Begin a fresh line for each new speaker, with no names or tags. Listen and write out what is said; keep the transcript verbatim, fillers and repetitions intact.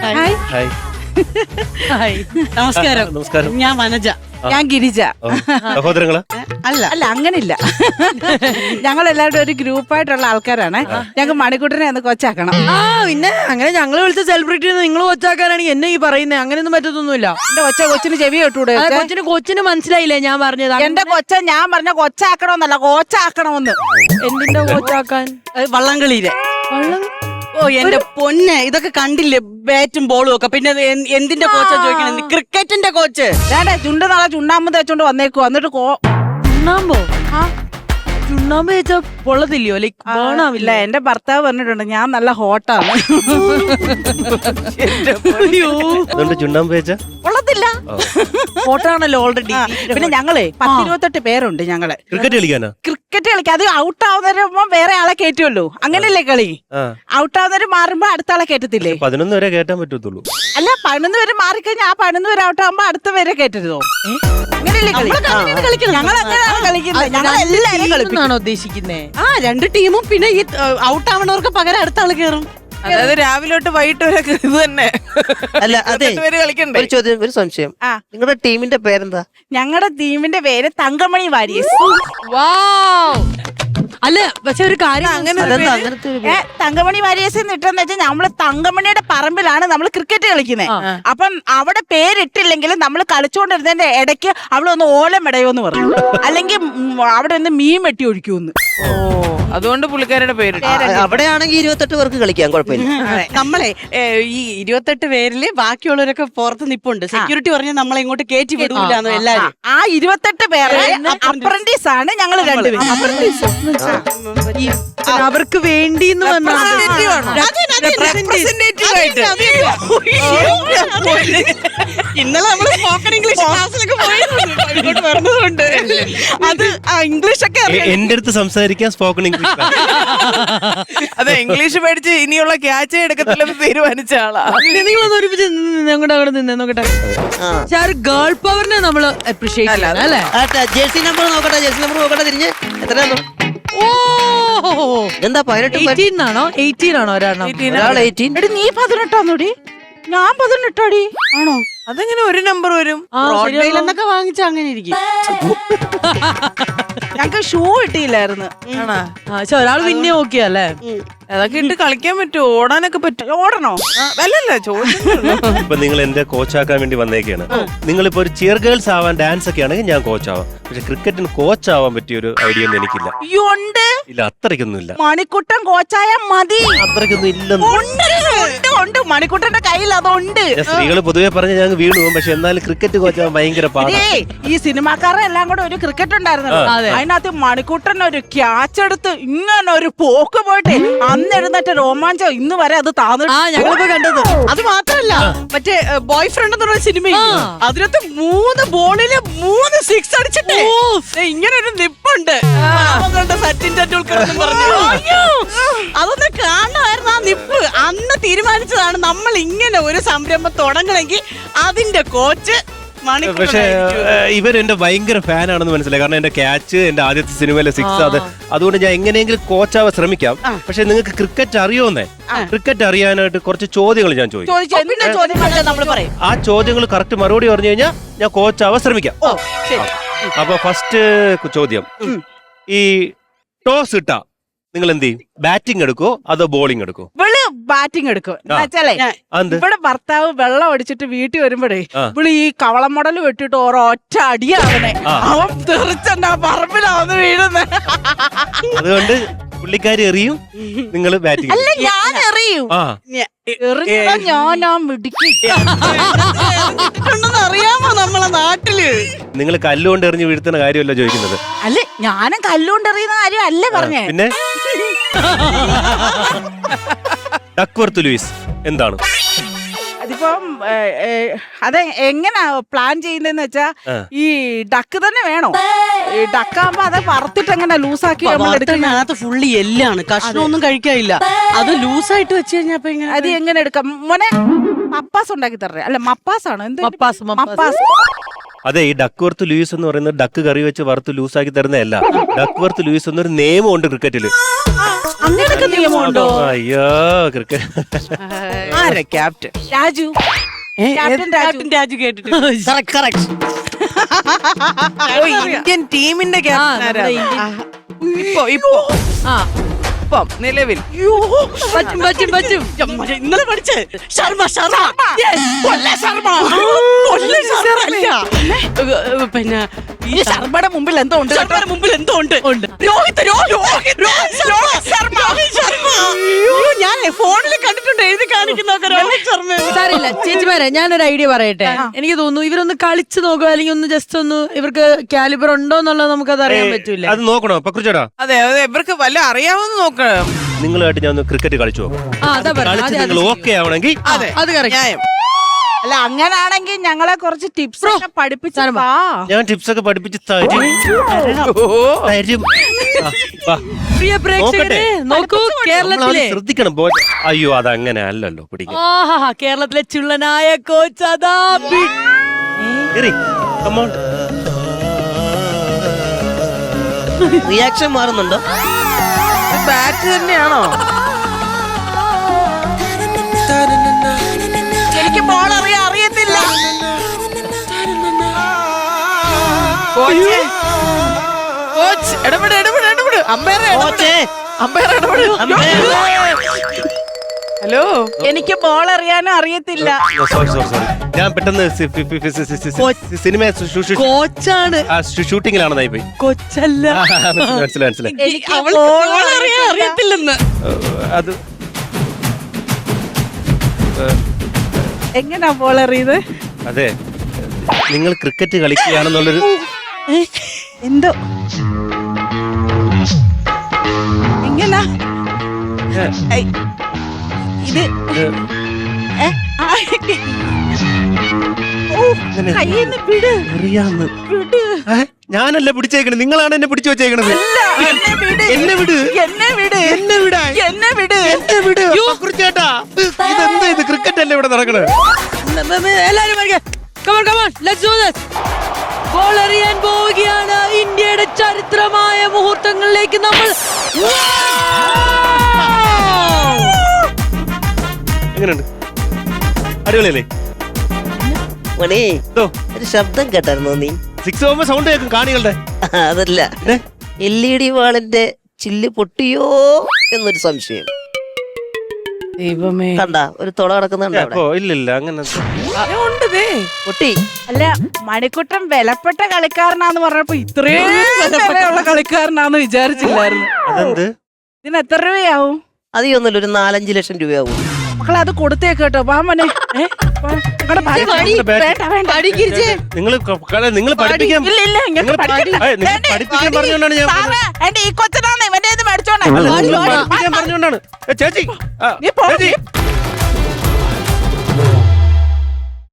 Hi
hi
hi നമസ്കാരം.
നമസ്കാരം.
ഞാൻ വനജ.
ഞാൻ ഗിരിജ.
സഹോദരങ്ങളാ?
അല്ല
അല്ല അങ്ങനില്ല. ഞങ്ങൾ എല്ലാവരും ഒരു ഗ്രൂപ്പായിട്ടുള്ള ആൾക്കാരാണ്. ഞങ്ങൾക്ക് മണിക്കൂട്ടിനെ ഒന്ന് കൊച്ചാക്കണം.
ആ പിന്നെ അങ്ങനെ ഞങ്ങൾ വിളിച്ച സെലിബ്രിറ്റി നിങ്ങൾ കൊച്ചാക്കാനാണെങ്കിൽ എന്നെ ഈ പറയുന്നത് അങ്ങനെയൊന്നും പറ്റത്തൊന്നുമില്ല.
എന്റെ കൊച്ച കൊച്ചിന് ചെവി കേട്ടൂടെ?
കൊച്ചിന് കൊച്ചിന് മനസ്സിലായില്ലേ ഞാൻ പറഞ്ഞത്?
എന്റെ കൊച്ച ഞാൻ പറഞ്ഞ കൊച്ചാക്കണമെന്നല്ല, കോച്ചാക്കണമെന്ന്.
എന്തിന്റെ കൊച്ചാക്കാൻ?
വള്ളംകളിയിലെ
വള്ളം
ഓ എന്റെ പൊന്നെ, ഇതൊക്കെ കണ്ടില്ലേ ബാറ്റും ബോളും ഒക്കെ. പിന്നെ ഇത് എന്ത്- എന്തിന്റെ കോച്ചാ ചോദിക്കണേ? ക്രിക്കറ്റിന്റെ കോച്ച്.
ഞാനേ ചുണ്ട് നാളെ ചുണ്ണാമ്പ് തേച്ചോണ്ട് വന്നേക്കു. എന്നിട്ട് കോ
ചുണ്ണാമ്പോ? ചുണ്ണാമ്പ് വെച്ചാ പൊള്ളത്തില്ലയോ? ലൈക്ക്
ഇല്ല,
ബേണാവില്ല.
എന്റെ ഭർത്താവ് പറഞ്ഞിട്ടുണ്ട് ഞാൻ നല്ല ഹോട്ടാണ്.
അതുകൊണ്ട് ചുണ്ണാമ്പ് വെച്ച
കൊള്ളത്തില്ല.
ഫോട്ടാണല്ലോ ഓൾറെഡി.
പിന്നെ ഞങ്ങളെ പത്തിരുപത്തെട്ട് പേരുണ്ട്. ഞങ്ങള്
ക്രിക്കറ്റ് കളിക്കാനാ?
ക്രിക്കറ്റ് കളിക്കാം. അത് ഔട്ട് ആവുന്നവരുമ്പോ വേറെ ആളെ കയറ്റുമല്ലോ. അങ്ങനെയല്ലേ കളി? ഔട്ട് ആവുന്നവര് മാറുമ്പോ അടുത്ത ആളെ കയറ്റത്തില്ലേ?
പതിനൊന്ന് വരെ കേട്ടാൻ പറ്റത്തുള്ളൂ.
അല്ല, പതിനൊന്ന് പേര് മാറിക്കഴിഞ്ഞാൽ ആ പതിനൊന്ന് പേര് ഔട്ട് ആവുമ്പോ അടുത്ത പേരെ കയറ്റരുതോ? അങ്ങനെയല്ലേ കളി? ഞങ്ങൾ അങ്ങനെയാണ് കളിക്കുന്നത്. ഞങ്ങൾ എല്ലാരും കളിപ്പിക്കും.
ആണോ ഉദ്ദേശിക്കുന്നേ?
ആ രണ്ട് ടീമും പിന്നെ ഈ ഔട്ട് ആവണവർക്ക് പകരം അടുത്ത ആള് കയറും.
അതായത് രാവിലെ തൊട്ട് വൈകിട്ട് വരെ ഇത് തന്നെ.
അല്ല അതെ,
പേര് കളിക്കണ്ടേ?
ഒരു ചോദ്യം, ഒരു സംശയം.
ആ.
നിങ്ങളുടെ ടീമിന്റെ പേരെന്താ?
ഞങ്ങളുടെ ടീമിന്റെ പേര് തങ്കമണി വാരിയസ്.
അല്ല പക്ഷെ ഒരു കാര്യം അങ്ങനെ
അതെന്താ അങ്ങനത്തെ ഒരു
ഏ തങ്കമണി വാരിയസ് ഇട്ടെന്ന് വെച്ചാൽ നമ്മള് തങ്കമണിയുടെ പറമ്പിലാണ് നമ്മൾ ക്രിക്കറ്റ് കളിക്കുന്നത്. അപ്പം അവിടെ പേരിട്ടില്ലെങ്കിലും നമ്മൾ കളിച്ചുകൊണ്ടിരുന്നതിന്റെ ഇടയ്ക്ക് അവിടെ ഒന്ന് ഓലം ഇടയോന്ന് പറഞ്ഞു, അല്ലെങ്കിൽ ഉം, അവിടെ ഒന്ന് മീൻ വെട്ടി ഒഴിക്കൂന്ന്.
ഓ, അതുകൊണ്ട് പുള്ളിക്കാരുടെ പേര്.
ആ, അവിടെയാണെങ്കിൽ ഇരുപത്തെട്ട് പേർക്ക് കളിക്കാം, കുഴപ്പമില്ല.
നമ്മളെ ഏ, ഈ ഇരുപത്തെട്ട് പേരില് ബാക്കിയുള്ളവരൊക്കെ പുറത്ത് നിപ്പുണ്ട്. സെക്യൂരിറ്റി പറഞ്ഞ നമ്മളെ ഇങ്ങോട്ട് കയറ്റി വിടൂലെന്ന് എല്ലാരും.
ആ ഇരുപത്തെട്ട് പേരെ അപ്രന്റീസ് ആണ് ഞങ്ങൾ രണ്ടുപേരും.
അവർക്ക് വേണ്ടി
ഇന്നലെ നമ്മള് സ്പോക്കൺ ഇംഗ്ലീഷ് ക്ലാസ്സിലൊക്കെ പോയിരുന്നു പറഞ്ഞതുകൊണ്ട് അത് ഇംഗ്ലീഷ് ഒക്കെ
എ- എന്റെ അടുത്ത് സംസാരിക്കാൻ സ്പോക്കൺ ഇംഗ്ലീഷ്.
അതെ, ഇംഗ്ലീഷ് പഠിച്ച് ഇനിയുള്ള ക്യാച്ച് എടുക്കത്തില്ലെന്ന് തീരുമാനിച്ച ആളാ.
നിങ്ങളൊന്ന് ഒരുമിച്ച് അങ്ങോട്ട് അവിടെ നിന്ന് നോക്കട്ടെ. പക്ഷെ ആ ഒരു ഗേൾ പവറിനെ നമ്മള് അപ്രീഷിയേറ്റ് ചെയ്യണം അല്ലേ?
ജേഴ്സി നമ്പർ നോക്കട്ടെ, ജേഴ്സി നമ്പർ നോക്കട്ടെ, തിരിഞ്ഞ് എത്രയാണോ?
ഓ
എന്താ പതിനെട്ട്?
എയ്റ്റീൻ ആണോ എയ്റ്റീൻ ആണോ ഒരെണ്ണം?
ഒരാൾ എയ്റ്റീൻ.
എടി നീ പതിനെട്ടാന്നോടി? ഞാൻ പതിനെട്ടാടി. ആണോ?
അതെങ്ങനെ ഒരു നമ്പർ വരും?
ആ, ശരിയാണല്ലോ.
എന്നൊക്കെ വാങ്ങിച്ച അങ്ങനെ ഇരിക്കും.
ഞങ്ങക്ക് ഷൂ കിട്ടിയില്ലായിരുന്നു.
ആണാ?
ആ, പക്ഷെ ഒരാൾ പിന്നെ ഓക്കെ അല്ലേ?
അതൊക്കെ ഇട്ട് കളിക്കാൻ പറ്റുമോ? ഓടാനൊക്കെ പറ്റും.
ഓടണോ?
അല്ലല്ല, ചോദിച്ചു.
ഇപ്പൊ നിങ്ങൾ എന്റെ കോച്ചാക്കാൻ വേണ്ടി വന്നേക്കാണ്. നിങ്ങളിപ്പോ ഒരു ചിയർ ഗേൾസ് ആവാൻ ഡാൻസ് ഒക്കെ ആണെങ്കിൽ ഞാൻ കോച്ചാവാം. പക്ഷെ ക്രിക്കറ്റിന് കോച്ച് ആവാൻ പറ്റിയ ഒരു ഐഡിയ ഒന്നും എനിക്കില്ല.
ഉണ്ട്.
ഇല്ല, അത്രയ്ക്കൊന്നും ഇല്ല.
മണിക്കുട്ടൻ കോച്ചായ മതി.
അത്രയ്ക്കൊന്നും ഇല്ലെന്ന്.
ഉണ്ട്, ഉണ്ട്, ഉണ്ട്. മണിക്കുട്ടന്റെ കയ്യിൽ അതുണ്ട്.
സ്ത്രീകൾ പൊതുവെ പറഞ്ഞ ഞാൻ വീണു പോകും. പക്ഷെ എന്നാലും ക്രിക്കറ്റ് കോച്ചാവാൻ ഭയങ്കര പാടാണ്.
ഇതേ, ഈ സിനിമാക്കാരെ എല്ലാം കൂടെ ഒരു ക്രിക്കറ്റ് ഉണ്ടായിരുന്നല്ലോ. അതിനകത്ത് മണിക്കുട്ടൻ ഒരു ക്യാച്ച് എടുത്ത് ഇങ്ങനെ ഒരു പോക്ക് പോയിട്ട് അന്ന് എഴുന്നേറ്റ രോമാഞ്ചം ഇന്ന് വരെ അത് താന്നു.
ആ ഞങ്ങളിപ്പോ കണ്ടത്.
അത് മാത്രല്ല, മറ്റേ ബോയ് ഫ്രണ്ട് എന്ന് പറഞ്ഞ സിനിമ അതിനകത്ത് മൂന്ന് ബോളില് മൂന്ന് സിക്സ് അടിച്ചിട്ടേ ദേ ഇങ്ങനെ ഒരു നിപ്പുണ്ട്. പാവങ്ങളുടെ സച്ചിൻ ടെണ്ടുൽക്കർ എന്ന് പറഞ്ഞു. അയ്യോ, അതൊന്ന് കാണണമായിരുന്നു ആ നിപ്പ്. അന്ന് തീരുമാനിച്ചതാണ് നമ്മൾ ഇങ്ങനെ ഒരു സംരംഭം തുടങ്ങണമെങ്കിൽ അതിന്റെ കോച്ച്
പക്ഷെ ഇവർ എന്റെ ഭയങ്കര ഫാനാണെന്ന് മനസ്സിലായി. കാരണം എന്റെ ക്യാച്ച് എന്റെ ആദ്യത്തെ സിനിമയിലെ സിക്സ് അത്. അതുകൊണ്ട് ഞാൻ എങ്ങനെയെങ്കിലും കോച്ചാവാൻ ശ്രമിക്കാം. പക്ഷെ നിങ്ങൾക്ക് ക്രിക്കറ്റ് അറിയോന്നേ? ക്രിക്കറ്റ് അറിയാനായിട്ട് കുറച്ച് ചോദ്യങ്ങൾ ഞാൻ ചോദിക്കും.
ചോദിച്ചു എന്തിനാ ചോദ്യം പറഞ്ഞാൽ നമ്മൾ പറയും.
ആ ചോദ്യങ്ങൾ കറക്റ്റ് മറുപടി പറഞ്ഞു കഴിഞ്ഞാൽ ഞാൻ കോച്ചാവാൻ ശ്രമിക്കാം. അപ്പൊ ഫസ്റ്റ് ചോദ്യം, ഈ ടോസ് ഇട്ടാ നിങ്ങൾ എന്ത് ചെയ്യും? ബാറ്റിംഗ് എടുക്കോ അതോ ബോളിംഗ് എടുക്കോ?
ഇവള് ബാറ്റിംഗ് എടുക്കും. എന്നുവെച്ചാലേ ഇവിടെ ഭർത്താവ് വെള്ളം അടിച്ചിട്ട് വീട്ടിൽ വരുമ്പോഴേ ഇവള് ഈ കവളം മുടല് വെട്ടിട്ട് ഓരോ ഒറ്റ അടിയാവണേ. അവൻ തെറിച്ചെന്നാ പറമ്പിലാവുന്ന വീഴുന്നത്.
അതുകൊണ്ട് പുള്ളിക്കാരി എറിയും, നിങ്ങൾ ബാറ്റിംഗ്.
അല്ല, ഞാൻ എറിയും.
ആ
എറിഞ്ഞതാ ഞാനാ മിടുക്കി.
അറിയാമോ നമ്മളെ നാട്ടില്?
നിങ്ങൾ കല്ലുകൊണ്ട് എറിഞ്ഞ് വീഴ്ത്തുന്ന കാര്യമല്ല ചോദിക്കുന്നത്.
അല്ല, ഞാനും കല്ലുകൊണ്ട് എറിയുന്ന കാര്യം അല്ല പറഞ്ഞേ.
പിന്നെ ഡക്വർത്ത് ലൂയിസ് എന്താണ്?
അതിപ്പം അത് എങ്ങനാ പ്ലാൻ ചെയ്യുന്നതെന്ന് വെച്ചാ ഈ ഡക്ക് തന്നെ വേണോ? ഈ ഡക്കാകുമ്പോ അത് വറുത്തിട്ട് എങ്ങനെ ലൂസാക്കി
അതിനകത്ത് ഫുള്ളി എല്ലാണ്, കഷ്ണമൊന്നും കഴിക്കാനില്ല. അത് ലൂസായിട്ട് വെച്ച് കഴിഞ്ഞപ്പോ
അത് എങ്ങനെ എടുക്കാം മോനെ? മപ്പാസ് ഉണ്ടാക്കി തരേ? അല്ല, മപ്പാസ് ആണ്. എന്ത്
മപ്പാസ്?
മപ്പാസ്.
അതെ, ഈ ഡക്വർത്ത് ലൂയിസ് എന്ന് പറയുന്നത് ഡക്ക് കറി വെച്ച് വറുത്ത് ലൂസാക്കി തരുന്നതല്ല. ഡക്വർത്ത് ലൂയിസ് എന്നൊരു നിയമമുണ്ട് ക്രിക്കറ്റില്.
അങ്ങനൊക്കെ നിയമമുണ്ടോ?
അയ്യോ ക്രിക്കറ്റ്
ആരാ captain?
Raju captain Raju
captain Raju കേട്ടിട്ട്
കറക്റ്റ് കറക്റ്റ്
ഓ, ഇന്ത്യൻ ടീമിന്റെ
ആ,
ക്യാപ്റ്റൻ
നമ്മുടെ
ആരാ?
ഇന്ത്യൻ-
ഇപ്പൊ ഇപ്പൊ
ആ
ഇപ്പം നിലവിൽ
പറ്റും പറ്റും പറ്റും
ഇന്നലെ പഠിച്ച് ശർമ്മ ശർമ്മ Yes, കൊല്ല ശർമ്മ കൊല്ല ശർമ്മ അല്ല. ഏ, ഏ, പിന്നെ
ഈ ശർമ്മയുടെ മുമ്പിൽ എന്തോ ഉണ്ട് കേട്ടോ.
ശർമ്മയുടെ മുമ്പിൽ എന്തോ ഉണ്ട് രോഹിത് രോഹിത് രോഹിത് രോഹിത് ശർമ്മ രോഹിത് ശർമ്മ അയ്യോ, ഞാൻ ഫോണിൽ കണ്ടിട്ടുണ്ട് എഴുതി കാണിക്കുന്നൊക്കെ രോഹിത് ശർമ്മ.
സാറില്ല ചേച്ചിമാരെ ഞാനൊരു ഐഡിയ പറയട്ടെ. എനിക്ക് തോന്നുന്നു ഇവരൊന്ന് കളിച്ചു നോക്കുക, അല്ലെങ്കിൽ ഒന്ന് ജസ്റ്റ് ഒന്ന് ഇവർക്ക് കാലിബർ ഉണ്ടോ എന്നുള്ളത് നമുക്കത് അറിയാൻ പറ്റൂല.
അത് നോക്കണോ പക്രുച്ചേട്ടാ?
അതെ അതെ ഇവർക്ക് വല്ല അറിയാമെന്ന് നോക്കണം.
നിങ്ങളുമായിട്ട് ഞാൻ ഒന്ന് ക്രിക്കറ്റ് കളിച്ചു നോക്കാം.
ആ അതാ
കളിച്ച്
പറഞ്ഞത്.
നിങ്ങൾ ഓക്കെ ആവണമെങ്കിൽ
അതെ
അത് കറക്റ്റ്.
ന്യായം.
അല്ല അങ്ങനാണെങ്കിൽ ഞങ്ങളെ കുറച്ച് ടിപ്സ് ഒക്കെ പഠിപ്പിച്ചാ
ഞാൻ ടിപ്സ് ഒക്കെ പഠിപ്പിച്ച് തരും തരും. ആ, വാ.
പ്രിയ പ്രേക്ഷകരെ നോക്കൂ, കേരളത്തിലെ
നമ്മളത് ശ്രദ്ധിക്കണം ബോ- അയ്യോ അതങ്ങനെ അല്ലല്ലോ പിടിക്കാൻ.
ആഹാ കേരളത്തിലെ ചുള്ളനായ കോച്ച് അതാ ബി-
കേറി. Come on.
റിയാക്ഷൻ മാറുന്നുണ്ടോ?
ബാറ്റ് തന്നെയാണോ?
എനിക്ക് ബോൾ അറിയാൻ അറിയത്തില്ല.
കോച്ച് കോച്ച് ഇടപെട് ഇടപെട് ഇടപെട് അമ്പയർ
കോച്ചേ
അമ്പയർ ഇടപെട്. ഹലോ
എനിക്ക് ബോൾ അറിയാനും അറിയത്തില്ല.
ഓ, sorry, sorry, sorry. ഞാൻ പെട്ടെന്ന് സി- ഫി- ഫി- ഫി- സി- സി- സി- സിനിമ ഷൂ- ഷൂ- ഷൂ-
കോച്ചാണ്,
ആ, ഷൂ- ഷൂട്ടിങ്ങിലാണെന്നായി പോയി.
കൊച്ചല്ല.
ആ, മനസ്സിലായി മനസ്സിലായി മനസ്സിലായി.
എനിക്ക്
അവൾക്ക്
ബോൾ
ബോൾ അറിയാൻ അറിയത്തില്ലെന്ന്.
ഏഹ്, അത്
എങ്ങനാ ബോൾ അറിയത്?
അതെ നിങ്ങൾ ക്രിക്കറ്റ് കളിക്കുകയാണെന്നുള്ളൊരു
എന്തോ എങ്ങനാ ഐ, ഇത് ഏ? ആ, ഓ, കയ്യിന്ന് വിട്
അറിയാന്ന്
വിട്.
ഏ? ഞാനല്ല പിടിച്ചേക്കണത്, നിങ്ങളാണ് എന്നെ പിടിച്ചു വെച്ചേക്കണത്.
ഇല്ല, എന്നെ വിട്.
എന്നെ വിട്
എന്നെ വിട്.
എന്നെ വിടാൻ
എന്നെ വിട്.
എന്നെ വിട് പക്രുച്ചേട്ടാ. ഇതെന്താ ഇത് ക്രിക്കറ്റ് അല്ലേ ഇവിടെ നടക്കണത്?
എല്ലാരും come on come on let's do this. Goal എറിയാൻ പോവുകയാണ്. ഇന്ത്യയുടെ ചരിത്രമായ മുഹൂർത്തങ്ങളിലേക്ക് നമ്മൾ
എങ്ങനെയുണ്ട്? അടിപൊളിയല്ലേ?
മണി
ഇതോ
ഒരു ശബ്ദം കേട്ടായിരുന്നോ നീ?
സിക്സ് പോകുമ്പോ സൗണ്ട് കേൾക്കും കാണികളുടെ.
അതല്ല,
ഏ?
എൽ ഇ ഡി വാളിന്റെ ചില്ല് പൊട്ടിയോ എന്നൊരു സംശയം.
ദൈവമേ
കണ്ട ഒരു തുള കിടക്കുന്നുണ്ട് അവിടെ.
അപ്പോ ഇല്ലില്ല അങ്ങനെ
ഉണ്ട് ദേ.
പൊട്ടി.
അല്ല മണിക്കുട്ടൻ വിലപ്പെട്ട കളിക്കാരനാന്ന് പറഞ്ഞപ്പോ ഇത്രയും വിലയുള്ള കളിക്കാരനാന്ന് വിചാരിച്ചില്ലായിരുന്നു.
അതെന്ത്?
ഇതിന് എത്ര രൂപയാവും?
അധികമൊന്നുമില്ല, ഒരു നാലഞ്ച് ലക്ഷം രൂപയാവും.
മക്കളെ അത് കൊടുത്തേക്ക് കേട്ടോ. വാ മോനെ. ഏ? വാ. ഇങ്ങോട്ട് വാ. വേണ്ട വേണ്ട
നിങ്ങൾ നിങ്ങൾ പഠിപ്പിക്കാൻ
ഇല്ല ഇല്ല ഇങ്ങോട്ട്
നിങ്ങൾ
പഠിക്കണ്ട.
ഏയ്, നിങ്ങൾ
വേണ്ടേ?
പഠിപ്പിക്കാൻ പറഞ്ഞുകൊണ്ടാണ് ഞാൻ
സാറേ, എന്റെ ഈ കൊച്ചനാണ് ഇവന്റെ ഇത് മേടിച്ചോണേ.
നിങ്ങൾ പഠിപ്പിക്കാൻ പറഞ്ഞുകൊണ്ടാണ്. ഏ, ചേച്ചി ആ,
നീ പോ.
ചേച്ചി